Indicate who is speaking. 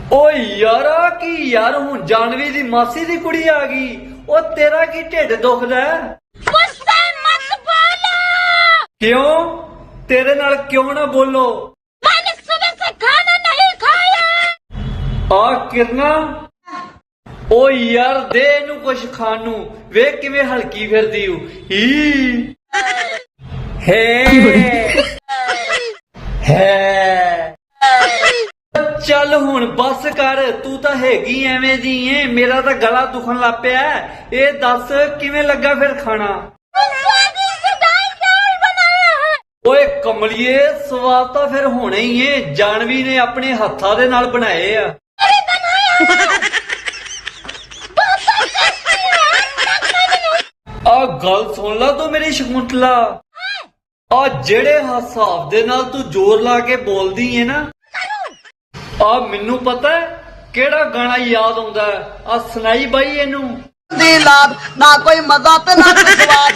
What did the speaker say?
Speaker 1: ਓ ਯਾਰਾ ਕੀ ਯਾਰ ਹੁਣ ਜਾਨਵੀ ਦੀ ਮਾਸੀ ਦੀ ਕੁੜੀ ਆ ਗਈ। ਓ ਤੇਰਾ ਕੀ ਢਿੱਡ ਦੁਖਦਾ?
Speaker 2: गुस्से मत बोलो।
Speaker 1: ਕਿਉਂ? ਤੇਰੇ ਨਾਲ ਕਿਉਂ ਨਾ ਬੋਲੋ?
Speaker 2: मैंने सुबह से खाना नहीं खाया।
Speaker 1: ਆ ਕਿਰਨਾ, ਓ ਯਾਰ ਦੇ ਇਹਨੂੰ ਕੁਛ ਖਾਣ ਨੂੰ। ਵੇਖ ਕਿਵੇਂ ਹਲਕੀ ਫਿਰਦੀ ਓ। ਹੀ ਹੈ ਚੱਲ ਹੁਣ ਬੱਸ ਕਰ, ਤੂੰ ਤਾਂ ਹੈਗੀ ਐਵੇਂ ਦੀ ਏ। ਮੇਰਾ ਤਾਂ ਗਲਾ ਦੁਖਣ ਲੱਗ ਪਿਆ। ਇਹ ਦੱਸ ਕਿਵੇਂ ਲੱਗਾ ਫਿਰ ਖਾਣਾ?
Speaker 2: स्वादिष्ट दाल चावल बनाया है।
Speaker 1: ਓਏ ਕਮਲੀਏ, ਸਵਾਦ ਤਾਂ ਫਿਰ ਹੋਣਾ ਹੀ ਏ। ਜਾਨਵੀ ਨੇ ਆਪਣੇ ਹੱਥਾਂ ਦੇ ਨਾਲ ਬਣਾਏ ਆ।
Speaker 2: अरे बनाया है। बहुत टेस्टी है।
Speaker 1: ਆ ਗੱਲ ਸੁਣ ਲਾ ਤੂੰ ਮੇਰੀ ਸ਼ਕੁੰਤਲਾ। ਆ ਜਿਹੜੇ ਹਿਸਾਬ ਦੇ ਨਾਲ ਤੂੰ ਜ਼ੋਰ ਲਾ ਕੇ ਬੋਲਦੀ ਏ ਨਾ, ਆ ਮੈਨੂੰ ਪਤਾ ਕਿਹੜਾ ਗਾਣਾ ਯਾਦ ਆਉਂਦਾ। ਆ ਸੁਣਾਈ ਬਾਈ ਇਹਨੂੰ।
Speaker 3: ਦੀ ਲਾਦ ਨਾ ਕੋਈ ਮਜ਼ਾ ਤੇ ਨਾ ਕੋਈ ਸਵਾਦ।